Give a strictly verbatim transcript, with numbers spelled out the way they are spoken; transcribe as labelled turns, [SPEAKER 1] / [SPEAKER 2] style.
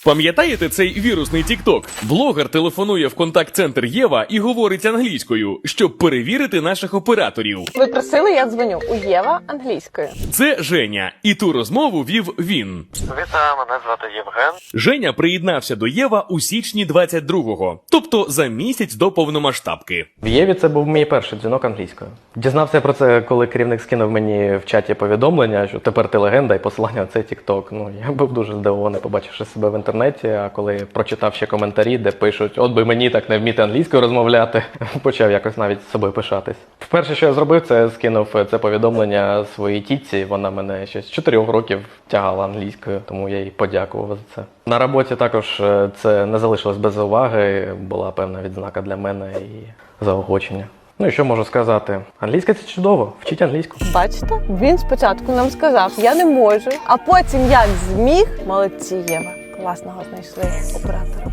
[SPEAKER 1] Пам'ятаєте цей вірусний тік-ток? Блогер телефонує в контакт-центр Єва і говорить англійською, щоб перевірити наших операторів.
[SPEAKER 2] Ви просили, я дзвоню. У Єва англійською.
[SPEAKER 1] Це Женя, і ту розмову вів він.
[SPEAKER 3] Вітаю, мене звати Євген.
[SPEAKER 1] Женя приєднався до Єва у січні двадцять другого, тобто за місяць до повномасштабки.
[SPEAKER 4] В Єві це був мій перший дзвінок англійською. Дізнався про це, коли керівник скинув мені в чаті повідомлення, що тепер ти легенда і посилання на цей тік-ток. Ну, я був дуже здивований, побачивши себе в інтернеті, а коли прочитав ще коментарі, де пишуть, от би мені так не вміти англійською розмовляти, почав якось навіть з собою пишатись. Перше, що я зробив, це скинув це повідомлення своїй тітці, вона мене ще з чотирьох років тягала англійською, тому я їй подякував за це. На роботі також це не залишилось без уваги, була певна відзнака для мене і заохочення. Ну і що можу сказати? Англійська – це чудово, вчіть англійську.
[SPEAKER 2] Бачите? Він спочатку нам сказав, я не можу, а потім як зміг. Молодці, Єва. Класного знайшли оператора.